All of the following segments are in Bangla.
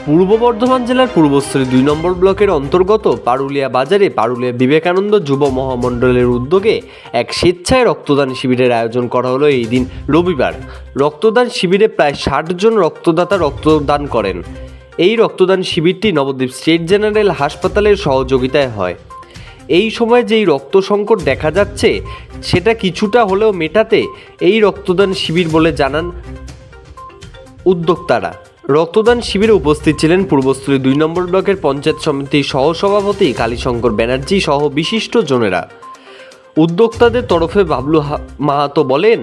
পূর্ব বর্ধমান জেলার পূর্বস্থলী ২ নম্বর ব্লকের অন্তর্গত পারুলিয়া বাজারে পারুলিয়া বিবেকানন্দ যুব মহামণ্ডলের উদ্যোগে এক স্বেচ্ছায় রক্তদান শিবিরের আয়োজন করা হলো এই দিন রবিবার। রক্তদান শিবিরে প্রায় ৬০ জন রক্তদাতা রক্তদান করেন। এই রক্তদান শিবিরটি নবদ্বীপ স্টেট জেনারেল হাসপাতালের সহযোগিতায় হয়। এই সময় যেই রক্ত সংকট দেখা যাচ্ছে সেটা কিছুটা হলেও মেটাতে এই রক্তদান শিবির বলে জানান উদ্যোক্তারা। রক্তদান শিবিরে উপস্থিত ছিলেন পূর্বস্থলী ২ নম্বর ব্লকের পঞ্চায়েত সমিতির সহসভাপতি কালীশঙ্কর ব্যানার্জি সহ বিশিষ্ট জনেরা। উদ্যোক্তাদের তরফে বাবলু মাহাতো বলেন,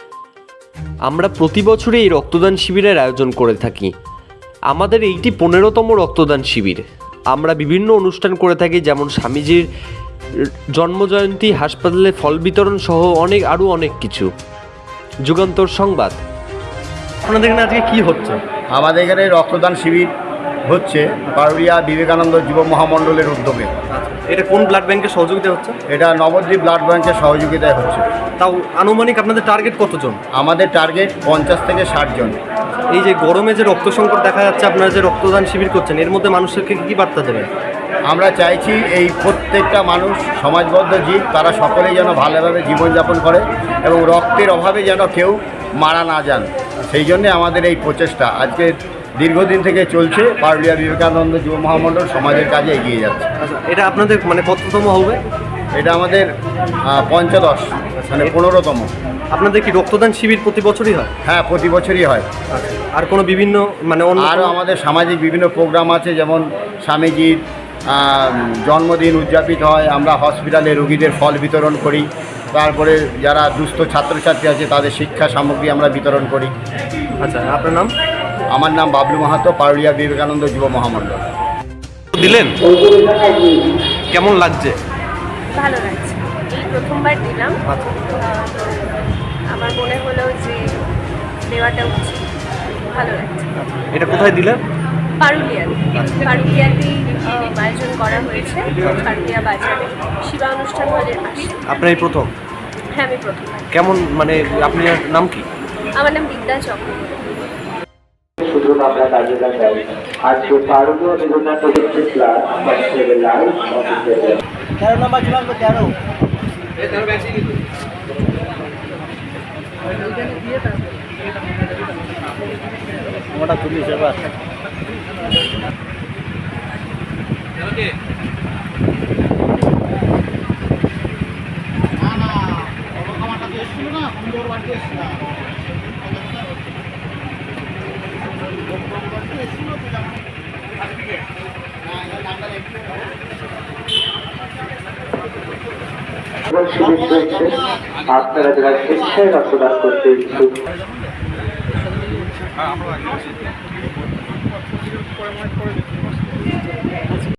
আমরা প্রতি বছরই এই রক্তদান শিবিরের আয়োজন করে থাকি। আমাদের এইটি ১৫তম রক্তদান শিবির। আমরা বিভিন্ন অনুষ্ঠান করে থাকি, যেমন স্বামীজির জন্মজয়ন্তী, হাসপাতালে ফল বিতরণ সহ আরও অনেক কিছু। যুগান্তর সংবাদ। আপনাদের এখানে আজকে কী হচ্ছে? আমাদের এখানে রক্তদান শিবির হচ্ছে পারুলিয়া বিবেকানন্দ যুব মহামণ্ডলের উদ্যোগে। এটা কোন ব্লাড ব্যাংকের সহযোগিতা হচ্ছে? এটা নবদ্বীপ ব্লাড ব্যাংকের সহযোগিতায় হচ্ছে। তাও আনুমানিক আপনাদের টার্গেট কতজন? আমাদের টার্গেট ৫০ থেকে ৬০ জন। এই যে গরমে যে রক্ত সংকট দেখা যাচ্ছে, আপনারা যে রক্তদান শিবির করছেন, এর মধ্যে মানুষকে কী বার্তা দেবেন? আমরা চাইছি এই প্রত্যেকটা মানুষ সমাজবদ্ধ জীব, তারা সকলেই যেন ভালোভাবে জীবনযাপন করে এবং রক্তের অভাবে যেন কেউ মারা না যান। সেই জন্যে আমাদের এই প্রচেষ্টা আজকে দীর্ঘদিন থেকে চলছে। পারুলিয়া বিবেকানন্দ যুব মহামণ্ডল সমাজের কাজে এগিয়ে যাচ্ছে। আচ্ছা, এটা আপনাদের কততম হবে? এটা আমাদের পঞ্চদশ, 15তম। আপনাদের কি রক্তদান শিবির প্রতি বছরই হয়? হ্যাঁ, প্রতি বছরই হয়। আর কোনো বিভিন্ন আরও আমাদের সামাজিক বিভিন্ন প্রোগ্রাম আছে, যেমন স্বামীজির জন্মদিন উদযাপিত হয়। আমরা হসপিটালে রোগীদের ফল বিতরণ করি। তারপরে যারা দুস্থ ছাত্রছাত্রী আছে তাদের শিক্ষা সামগ্রী আমরা বিতরণ করি। আচ্ছা, আপনার নাম? আমার নাম বাবলু মাহাতো, পারুলিয়া বিবেকানন্দ যুব মহামণ্ডল। দিলেন, কেমন লাগছে? ভালো লাগছে, এই প্রথমবার দিলাম। আচ্ছা, আমার মনে হলো যে দেওয়াটা উচিত। ভালো লাগছে। এটা কোথায় দিলেন? পারুলিয়াতেই আয়োজন করা হয়েছে, পারুলিয়া বাজারে শিবা অনুষ্ঠান হলের পাশে। আপনার এই প্রথম? হ্যাঁ, আমি প্রথম। কেমন আপনার নাম কি? আমার নাম বিদ্যা চক্রবর্তী। শুধু আমরা কাজে লাগাই আজকে পারুলিয়া বিবেকানন্দ ক্লাস 13 নম্বর ছিলাম তো 13 ওটা তুলিস এবার। শিবির চলছে, আপনারা যারা স্বেচ্ছায় রক্তদান করতে ইচ্ছুক